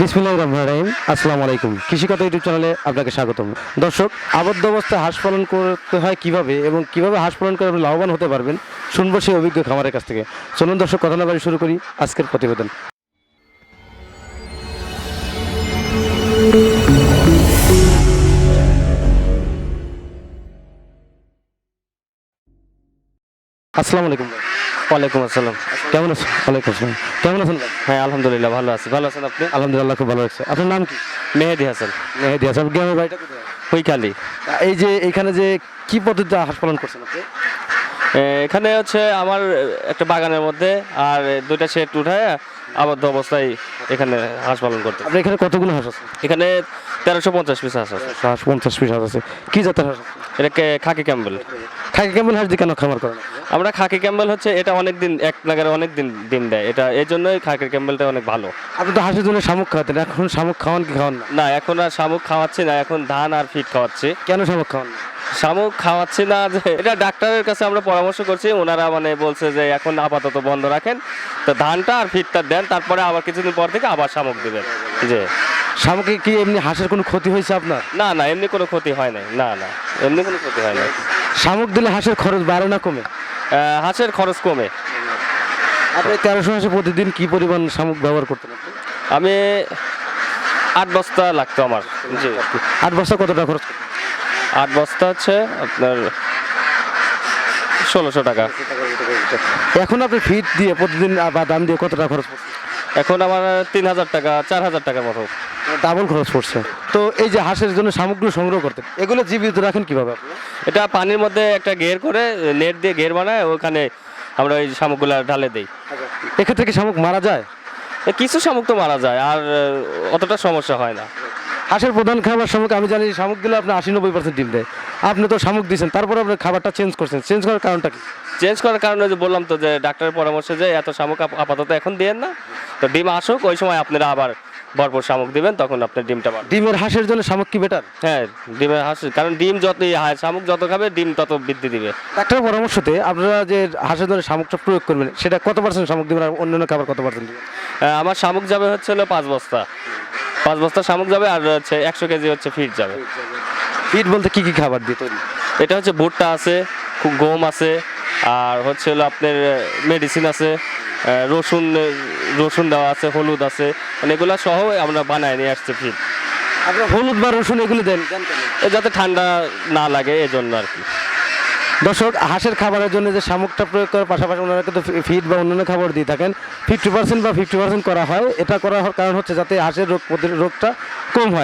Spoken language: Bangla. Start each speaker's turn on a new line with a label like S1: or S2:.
S1: বিসমিল্লাহির রহমানির রহিম। আসসালামু আলাইকুম। কৃষিকথা ইউটিউব চ্যানেলে আপনাকে স্বাগতম। দর্শক, আবদ্ধ অবস্থায় হাঁস পালন করতে হয় কিভাবে এবং কিভাবে হাঁস পালন করে আপনি লাভবান হতে পারবেন, শুনবো সেই অভিজ্ঞ খামারের কাছ থেকে। চলুন দর্শক, কথা না বাড়ি শুরু করি আজকের প্রতিবেদন। আসসালামু আলাইকুম ভাই।
S2: ওয়ালাইকুম আসসালাম।
S1: কেমন আছেন? ওয়ালাইকুম আসসালাম। কেমন আছেন ভাই?
S2: হ্যাঁ, আলহামদুলিল্লাহ ভালো আছি। ভালো আছেন আপনি?
S1: আলহামদুলিল্লাহ, খুব ভালো আছে। আপনার নাম কি?
S2: মেহেদি হাসান,
S1: মেহেদি হাসান। গ্রামের বাড়িটা কোথায়?
S2: হুইখালি।
S1: এই যে এখানে যে কি পদ্ধতিতে হাঁস পালন করছেন আপনি?
S2: এখানে হচ্ছে আমার একটা বাগানের মধ্যে আর দুইটা শেড উঠায় আবদ্ধ অবস্থায় এখানে হাঁস পালন করতে।
S1: আপনার এখানে কতগুলো হাঁস আছে?
S2: এখানে 1350 পিস হাঁস আছে।
S1: হাঁস 50 পিস হাঁস আছে। কি জাতের হাঁস আছে?
S2: এটাকে খাকি ক্যাম্বেল।
S1: খাকি কেমন হাঁস দিয়ে কেন খামার করেন আপনি?
S2: আমরা খাকি ক্যাম্বেল হচ্ছে এটা অনেক দিন এক নাগারে অনেক দিন ডিম দেয়, এটা এই জন্যই খাকি ক্যাম্বেলটা অনেক ভালো।
S1: আপনি তো হাঁসের জন্য শামুক খাওয়াতেন, এখন শামুক খাওয়ান কি খাওয়ান না?
S2: না, এখন আর শামুক খাওয়াচ্ছি না, এখন ধান আর ফিট খাওয়াচ্ছি।
S1: কেন শামুক খাওয়ান না?
S2: শামুক খাওয়াচ্ছি না যে এটা ডাক্তারের কাছে আমরা পরামর্শ করছি, ওনারা মানে বলছে যে এখন আপাতত বন্ধ রাখেন, তো ধানটা আর ফিটটা দেন, তারপরে আবার কিছুদিন পর থেকে আবার শামুক দিবেন। যে
S1: শামুকে কি এমনি হাঁসের কোনো ক্ষতি হয়েছে আপনার?
S2: না না, এমনি কোনো ক্ষতি হয় নাই। না না, এমনি কোনো ক্ষতি হয় নাই।
S1: শামুক দিলে হাঁসের খরচ বাড়ে না কমে?
S2: হাঁসের খরচ কমে।
S1: আপনি 1300 হাঁসে প্রতিদিন কি পরিমাণ শামুক ব্যবহার করতেন আপনি?
S2: আমি 8 বস্তা লাগতো আমার। জি,
S1: 8 বস্তা কত টাকা খরচ করতেন?
S2: 8 বস্তা হচ্ছে আপনার 1600 টাকা।
S1: এখন আপনি ফিট দিয়ে প্রতিদিন বা দাম দিয়ে কত টাকা খরচ করছেন?
S2: এখন আমার 3000 টাকা 4000 টাকার মতো।
S1: ডাবল খরচ পড়ছে। তো এই যে হাঁসের জন্য শামুকগুলো সংগ্রহ করতেন, এগুলো জীবিত রাখেন কিভাবে আপনি?
S2: এটা পানির মধ্যে একটা ঘের করে নেট দিয়ে ঘের বানায়, ওখানে আমরা ওই শামুকগুলা ঢালে দেই।
S1: এক্ষেত্রে কি শামুক মারা যায়?
S2: কিছু শামুক তো মারা যায়, আর অতটা সমস্যা হয় না।
S1: হাঁসের প্রধান খাবার শামুক। আমি জানি শামুকগুলো আপনি 80-90% ডিম দেয়। আপনি তো শামুক দিয়েছেন, তারপর আপনি খাবারটা চেঞ্জ করছেন। চেঞ্জ করার কারণটা কি?
S2: চেঞ্জ করার কারণে যে বললাম তো, যে ডাক্তারের পরামর্শে যে এত শামুক আপাতত এখন দিয়েন না, তো ডিম আসুক, ওই সময় আপনারা আবার ভরপুর শামুক দিবেন, তখন আপনার ডিমটা বাড়বে।
S1: ডিমের হাঁসের জন্য শামুক কি বেটার?
S2: হ্যাঁ, ডিমের হাঁস, কারণ ডিম যত শামুক যত খাবে ডিম তত বৃদ্ধি দিবে।
S1: ডাক্তারের পরামর্শতে আপনারা যে হাঁসের জন্য শামুকটা প্রয়োগ করবেন, সেটা কত পার্সেন্ট শামুক দিবেন আর অন্যান্য খাবার কত পার্সেন্ট দিবেন?
S2: আমার শামুক যাবে হচ্ছে 5 বস্তা। 5 বস্তা শামুক যাবে, আর হচ্ছে 100 কেজি হচ্ছে ফিট যাবে।
S1: ফিড বলতে কি কি খাবার দিয়ে তৈরি?
S2: এটা হচ্ছে ভুট্টা আছে, গম আছে, আর হচ্ছে হলো আপনার মেডিসিন আছে, রসুন রসুন দেওয়া আছে, হলুদ আছে, মানে এগুলো সহ আমরা বানায় নিয়ে আসছি ফিড।
S1: আপনার হলুদ বা রসুন এগুলো দেন কেন?
S2: যাতে ঠান্ডা না লাগে এজন্য আর কি।
S1: দর্শক, হাঁসের খাবারের জন্য যে শামুকটা প্রয়োগ করার পাশাপাশি ওনারা কিন্তু ফিড বা অন্যান্য খাবার দিয়ে থাকেন। 50% বা 50% করা হয়। এটা করার কারণ হচ্ছে যাতে হাঁসের রোগটা কম হয়।